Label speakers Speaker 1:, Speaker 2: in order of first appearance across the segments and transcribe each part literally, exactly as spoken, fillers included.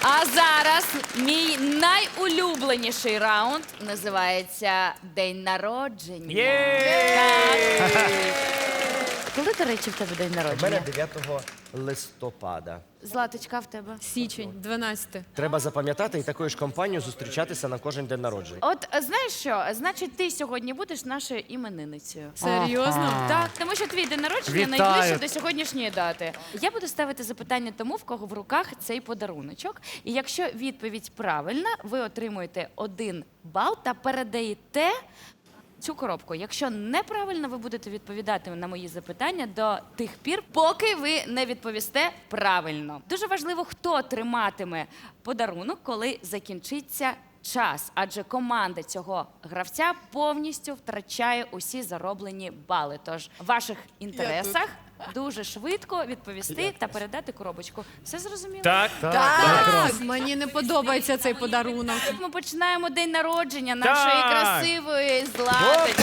Speaker 1: А зараз мій найулюбленіший раунд називається День народження.
Speaker 2: Є!
Speaker 1: Так. Коли, до речі, в тебе день
Speaker 3: У мене
Speaker 1: народження?
Speaker 3: дев'ятого листопада.
Speaker 1: Златочка, в тебе?
Speaker 4: Січень, дванадцяте.
Speaker 3: Треба запам'ятати і такою ж компанією зустрічатися на кожен день народження.
Speaker 1: От е, знаєш що? Значить, ти сьогодні будеш нашою іменинницею.
Speaker 4: Серйозно?
Speaker 1: Так, тому що твій день народження
Speaker 2: Вітаю.
Speaker 1: найближче до сьогоднішньої дати. Я буду ставити запитання тому, в кого в руках цей подаруночок. І якщо відповідь правильна, ви отримуєте один бал та передаєте цю коробку. Якщо неправильно, ви будете відповідати на мої запитання до тих пір, поки ви не відповісте правильно. Дуже важливо, хто триматиме подарунок, коли закінчиться час, адже команда цього гравця повністю втрачає усі зароблені бали. Тож в ваших інтересах дуже швидко відповісти та передати коробочку. Все зрозуміло?
Speaker 2: Так,
Speaker 4: Так, мені не подобається цей подарунок.
Speaker 1: Ми починаємо день народження нашої
Speaker 2: Так.
Speaker 1: красивої Златочки.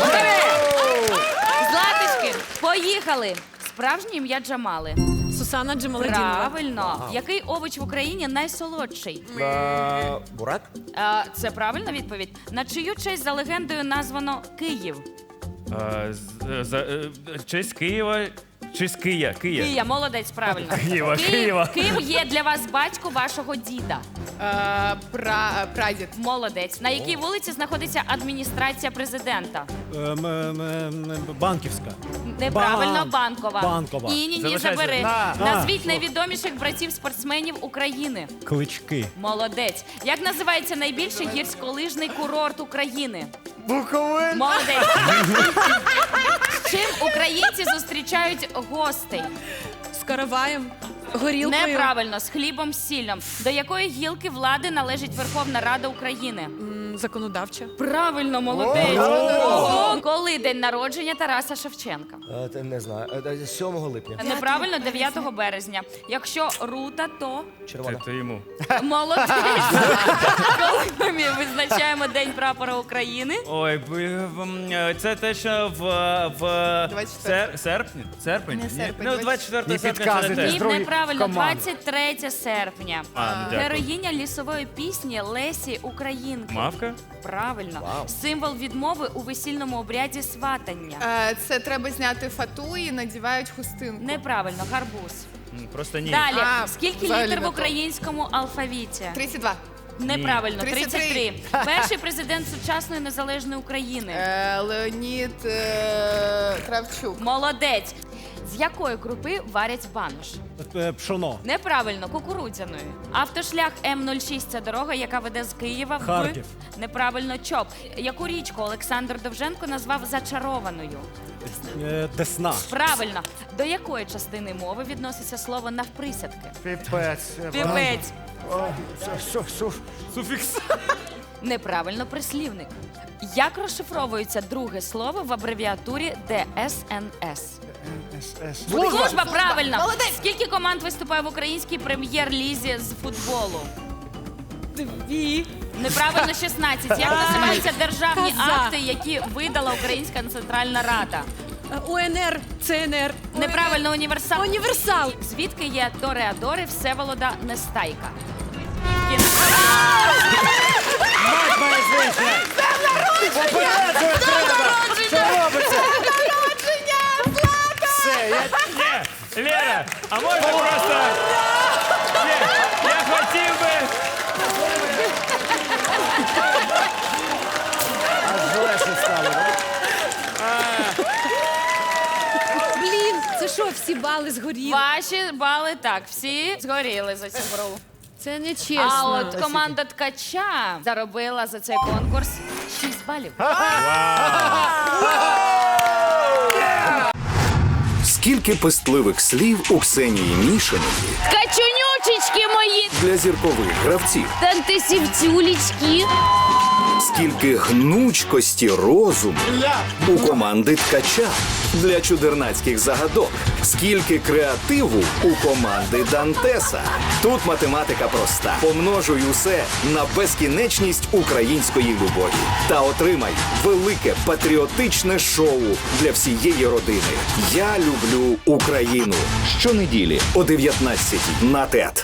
Speaker 1: Златочки, поїхали! Справжнє ім'я Джамали.
Speaker 4: Сусана Джамаладінова.
Speaker 1: Правильно. Який овоч в Україні найсолодший?
Speaker 3: А, бурак?
Speaker 1: А, це правильна відповідь. На чию честь за легендою названо Київ?
Speaker 2: Е, з- за- е, Честь Києва, честь Кия, Кия.
Speaker 1: Кия, молодець, правильно.
Speaker 2: Києва,
Speaker 1: Київ-
Speaker 2: Києва.
Speaker 1: Ким є для вас батько вашого діда?
Speaker 5: Е, пра, прадід.
Speaker 1: Молодець. На якій вулиці знаходиться адміністрація президента?
Speaker 6: Ем, ем, ем, Банківська.
Speaker 1: Неправильно,
Speaker 6: Бан-
Speaker 1: Банкова.
Speaker 6: Банкова.
Speaker 1: Ні, ні, ні,
Speaker 2: Залишайся.
Speaker 1: забери.
Speaker 2: На.
Speaker 1: Назвіть
Speaker 6: А,
Speaker 1: найвідоміших братів-спортсменів України.
Speaker 6: Клички.
Speaker 1: Молодець. Як називається найбільший гірськолижний курорт України?
Speaker 2: Буковин.
Speaker 1: Молодець. З чим українці зустрічають гостей?
Speaker 4: З караваєм, горілкою.
Speaker 1: Неправильно, з хлібом, з сіллям. До якої гілки влади належить Верховна Рада України?
Speaker 4: М, Законодавча.
Speaker 1: Правильно, молодець. Ого. Коли день народження Тараса Шевченка?
Speaker 3: Е, те- Не знаю. Е, е, сьомого липня.
Speaker 1: Неправильно, дев'ятого березня. Якщо рута, то
Speaker 3: Червона.
Speaker 2: Це йому.
Speaker 1: молодець. Коли ми визначаємо День прапора України?
Speaker 2: Ой, б- м, е, це те, що в, в
Speaker 5: двадцять
Speaker 2: сер, серпні? Серпень?
Speaker 5: Не
Speaker 2: Ні.
Speaker 5: серпень,
Speaker 2: Ну,
Speaker 5: двадцять
Speaker 2: двадцять четвертого
Speaker 6: Не
Speaker 2: серпня це не
Speaker 6: підказуйте.
Speaker 2: те.
Speaker 1: Ні, неправильно, двадцять третє серпня.
Speaker 2: А, ну, дякую.
Speaker 1: Героїня лісової пісні Лесі Українки.
Speaker 2: Мавка?
Speaker 1: Правильно. Символ відмови у весільному обряді сватання.
Speaker 5: Е, це треба зняти фату і надівають хустинку.
Speaker 1: Неправильно, гарбуз.
Speaker 2: М, Просто ні.
Speaker 1: Далі,
Speaker 5: А,
Speaker 1: скільки
Speaker 5: взагалі
Speaker 1: літер в
Speaker 5: не то.
Speaker 1: українському алфавіті?
Speaker 5: тридцять два.
Speaker 1: Неправильно,
Speaker 5: тридцять
Speaker 1: тридцять три.
Speaker 5: три.
Speaker 1: Перший президент сучасної незалежної України.
Speaker 5: Е, Леонід е, Кравчук.
Speaker 1: Молодець. З якої крупи варять банош?
Speaker 6: Е, Пшоно.
Speaker 1: Неправильно, кукурудзяної. Автошлях М нуль шість – це дорога, яка веде з Києва в...
Speaker 6: Харків.
Speaker 1: Неправильно, ЧОП. Яку річку Олександр Довженко назвав зачарованою?
Speaker 6: Е, Десна.
Speaker 1: Правильно. До якої частини мови відноситься слово навприсядки?
Speaker 3: Піпець.
Speaker 1: Півець.
Speaker 2: Суфікс.
Speaker 1: Неправильно, прислівник. Як розшифровується друге слово в абревіатурі Д С Н С? Служба, правильно.
Speaker 5: Молодець.
Speaker 1: Скільки команд виступає в українській прем'єр-лізі з футболу? Дві. Неправильно, шістнадцять. Як називаються державні
Speaker 4: Коза.
Speaker 1: акти, які видала Українська Центральна Рада?
Speaker 4: Е, У Н Р, Це Н Р.
Speaker 1: Неправильно, універсал.
Speaker 4: Універсал.
Speaker 1: Звідки є Тореадори Всеволода Нестайка?
Speaker 6: Мать моя звична! Попереджує треба! Що робиться? Все, я...
Speaker 2: Ні, Лера, а можна просто... Ні, я хотів би...
Speaker 3: Аж легше стало. да?
Speaker 4: Блін, це що, всі бали згоріли?
Speaker 1: Ваші бали так, всі згоріли за цю гру.
Speaker 4: Це не чесно.
Speaker 1: А от команда Ткача заробила за цей конкурс шість балів.
Speaker 7: Скільки пестливих слів у Ксенії Мішиної
Speaker 1: Ткачунючечки мої!
Speaker 7: для зіркових гравців,
Speaker 1: Тантисівцюлічки!
Speaker 7: скільки гнучкості розуму у команди Ткача для чудернацьких загадок, скільки креативу у команди Дантеса. Тут математика проста. Помножуй усе на безкінечність української любові та отримай велике патріотичне шоу для всієї родини. Я люблю Україну. Щонеділі о дев'ятнадцятій на ТЕТ.